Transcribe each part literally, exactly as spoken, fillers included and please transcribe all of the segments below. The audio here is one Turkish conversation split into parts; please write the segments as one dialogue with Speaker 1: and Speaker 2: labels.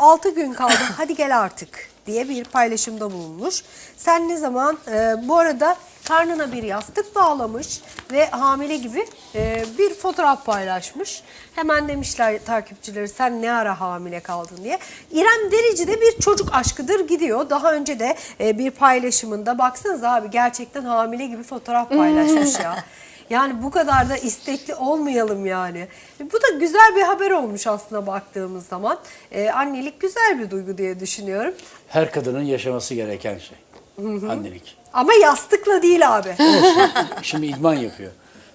Speaker 1: altı gün kaldı hadi gel artık diye bir paylaşımda bulunmuş. Sen ne zaman e, bu arada karnına bir yastık bağlamış ve hamile gibi e, bir fotoğraf paylaşmış. Hemen demişler takipçileri sen ne ara hamile kaldın diye. İrem Derici de bir çocuk aşkıdır gidiyor. Daha önce de e, bir paylaşımında baksanıza abi gerçekten hamile gibi fotoğraf paylaşmış ya. Yani bu kadar da istekli olmayalım yani. Bu da güzel bir haber olmuş aslında baktığımız zaman. Ee, annelik güzel bir duygu diye düşünüyorum.
Speaker 2: Her kadının yaşaması gereken şey. Hı hı. Annelik.
Speaker 1: Ama yastıkla değil abi.
Speaker 2: Olsun. Şimdi idman yapıyor.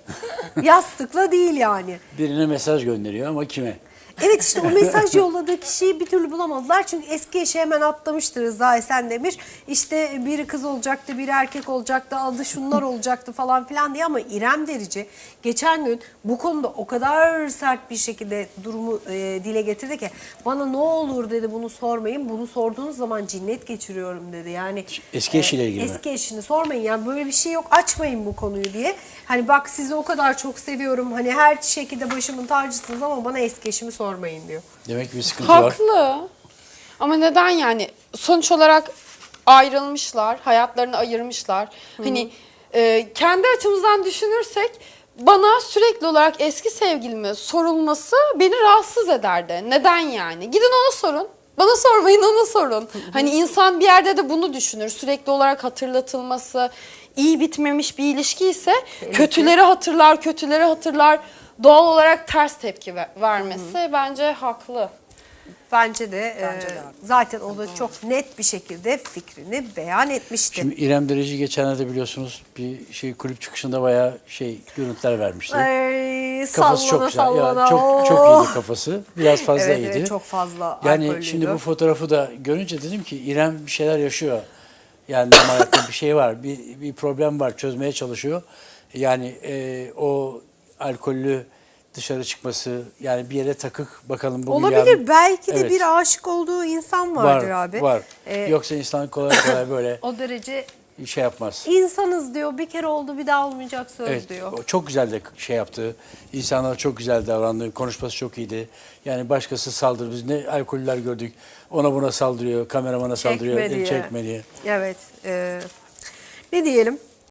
Speaker 1: Yastıkla değil yani.
Speaker 2: Birine mesaj gönderiyor ama kime?
Speaker 1: Evet işte o mesaj yolladığı kişiyi bir türlü bulamadılar. Çünkü eski eşi hemen atlamıştır Rıza Esendemir. İşte biri kız olacaktı, biri erkek olacaktı, adı şunlar olacaktı falan filan diye. Ama İrem Derici geçen gün bu konuda o kadar sert bir şekilde durumu e, dile getirdi ki bana ne olur dedi bunu sormayın. Bunu sorduğunuz zaman cinnet geçiriyorum dedi. Yani
Speaker 2: Eski eşiyle ilgili mi?
Speaker 1: Eski eşini sormayın yani böyle bir şey yok açmayın bu konuyu diye. Hani bak sizi o kadar çok seviyorum hani her şekilde başımın tacısınız ama bana eski eşimi sormayın diyor.
Speaker 2: Demek ki bir sıkıntı var.
Speaker 3: Haklı. Ama neden yani? Sonuç olarak ayrılmışlar, hayatlarını ayırmışlar. Hı-hı. Hani e, kendi açımızdan düşünürsek bana sürekli olarak eski sevgilime sorulması beni rahatsız ederdi. Neden yani? Gidin ona sorun. Bana sormayın ona sorun. Hı-hı. Hani insan bir yerde de bunu düşünür. Sürekli olarak hatırlatılması, iyi bitmemiş bir ilişki ise Belki. kötüleri hatırlar, kötüleri hatırlar. Doğal olarak ters tepki vermesi Hı-hı. bence haklı.
Speaker 1: Bence de, Bence e, de zaten o da çok net bir şekilde fikrini beyan etmişti.
Speaker 2: Şimdi İrem Derici geçenlerde biliyorsunuz bir şey kulüp çıkışında bayağı şey görüntüler vermişti.
Speaker 1: Ay,
Speaker 2: kafası
Speaker 1: sallana,
Speaker 2: çok güzel.
Speaker 1: Sallana,
Speaker 2: Ya, çok çok iyiydi kafası. Biraz fazla
Speaker 1: evet,
Speaker 2: iyiydi.
Speaker 1: Evet çok fazla
Speaker 2: Yani
Speaker 1: alkollüydü.
Speaker 2: şimdi bu fotoğrafı da görünce dedim ki İrem bir şeyler yaşıyor. Yani hayatta bir şey var. Bir, bir problem var. Çözmeye çalışıyor. Yani e, o alkollü dışarı çıkması yani bir yere takık bakalım bugün
Speaker 1: olabilir
Speaker 2: yarın.
Speaker 1: belki de
Speaker 2: Evet.
Speaker 1: bir aşık olduğu insan vardır
Speaker 2: var,
Speaker 1: abi.
Speaker 2: Var.
Speaker 1: Ee,
Speaker 2: Yoksa insan kolay kolay böyle
Speaker 1: o derece
Speaker 2: şey yapmaz.
Speaker 1: İnsanız diyor bir kere oldu bir daha olmayacak söz
Speaker 2: Evet,
Speaker 1: diyor.
Speaker 2: o çok güzel de şey yaptı. İnsanlara çok güzel davrandı. Konuşması çok iyiydi. Yani başkası saldırdı. Biz ne alkoller gördük. Ona buna saldırıyor. Kameramana saldırıyor.
Speaker 1: Çekme diye.
Speaker 2: Çekme diye.
Speaker 1: Evet. E, ne diyelim?